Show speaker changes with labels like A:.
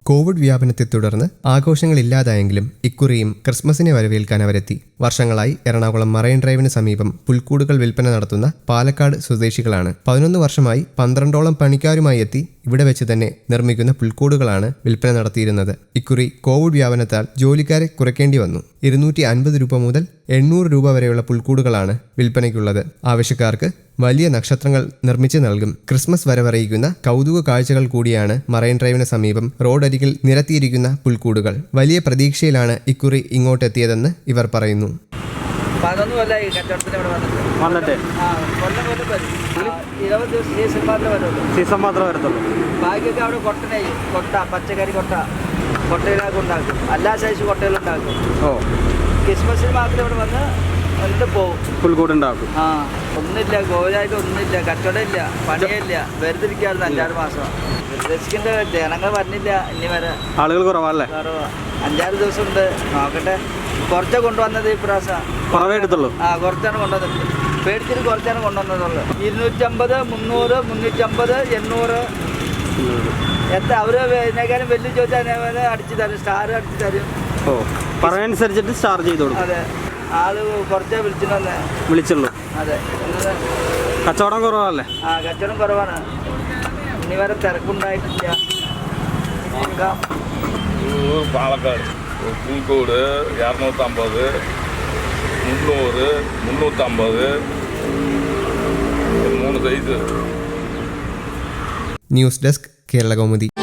A: Covid വ്യാപനത്തെ തുടർന്ന് ആഘോഷങ്ങളില്ലാതായെങ്കിലും ഇക്കുറിയും ക്രിസ്മസിനെ വരവേൽക്കാൻ അവരെത്തി. വർഷങ്ങളായി എറണാകുളം മറൈൻ ഡ്രൈവിന് സമീപം പുൽക്കൂടുകൾ വിൽപ്പന നടത്തുന്ന പാലക്കാട് സ്വദേശികളാണ്. 11 വർഷമായി 12ഓളം പണിക്കാരുമായി എത്തി ഇവിടെ വെച്ച് തന്നെ നിർമ്മിക്കുന്ന പുൽക്കൂടുകളാണ് വിൽപ്പന നടത്തിയിരുന്നത്. ഇക്കുറി കോവിഡ് വ്യാപനത്താൽ ജോലിക്കാരെ കുറയ്ക്കേണ്ടി വന്നു. 250 രൂപ മുതൽ 800 രൂപ വരെയുള്ള പുൽക്കൂടുകളാണ് വിൽപ്പനയ്ക്കുള്ളത്. ആവശ്യക്കാർക്ക് വലിയ നക്ഷത്രങ്ങൾ നിർമ്മിച്ച് നൽകും. ക്രിസ്മസ് വരവറിയിക്കുന്ന കൗതുക കാഴ്ചകൾ കൂടിയാണ് മറൈൻ ഡ്രൈവിന് സമീപം റോഡരികിൽ നിരത്തിയിരിക്കുന്ന പുൽക്കൂടുകൾ. വലിയ പ്രതീക്ഷയിലാണ് ഇക്കുറി ഇങ്ങോട്ടെത്തിയതെന്ന് ഇവർ പറയുന്നു.
B: 11 കൊല്ലമായി കച്ചവടത്തിന് ഇവിടെ വന്നിട്ട് 20 ദിവസം സീസൺ മാത്രമേ വരത്തുള്ളൂ. ബാക്കിയൊക്കെ അവിടെ കൊട്ട പച്ചക്കറി കൊട്ടയിലൊക്കെ ഉണ്ടാക്കും. എല്ലാ സൈസ് കൊട്ടയിലുണ്ടാക്കും. ക്രിസ്മസിന് മാത്രം ഇവിടെ വന്ന് എന്നിട്ട് പോകും. പുൽക്കൂടുണ്ടാക്കും. ഒന്നുമില്ല, ഗോവരായിട്ട് ഒന്നുമില്ല, കച്ചവടം ഇല്ല, പണിയില്ല, വെറുതിരിക്കാറുണ്ട് 5-6 മാസം. ഉദ്ദേശിക്കേണ്ട ജനങ്ങൾ വന്നില്ല. ഇനി വരെ ആളുകൾ കുറവല്ലേ? 5-6 ദിവസം ഉണ്ട്. നോക്കട്ടെ. കുറച്ചാണ് കൊണ്ടുവന്നത് ഈ പ്രാവശ്യം. കുറവേ എടുത്തുള്ളൂ. കുറച്ചാണ് കൊണ്ടുവന്നത്. പേടിച്ചിട്ട് കുറച്ചാണ് കൊണ്ടുവന്നതുള്ളൂ. 250, 300, 350, 800 എത്ര അവര് ഇതിനേക്കാളും വലിയ ചോദിച്ചാൽ അടിച്ചു തരും. സ്റ്റാർ അടിച്ചു തരും. പറയുന്നതനുസരിച്ചിട്ട് സ്റ്റാർ ചെയ്തു കൊടുക്കും. അതെ, ആള് കുറച്ചേ വിളിച്ചുള്ളൂ. അതെ, കച്ചവടം കുറവല്ലേ? കച്ചവടം കുറവാണ്. ഇനി വരെ തിരക്കുണ്ടായിട്ടില്ല.
C: പാലക്കാട് പുൽക്കൂട് 250, 300, 350 3 size.
A: News desk Kerala Kaumudi.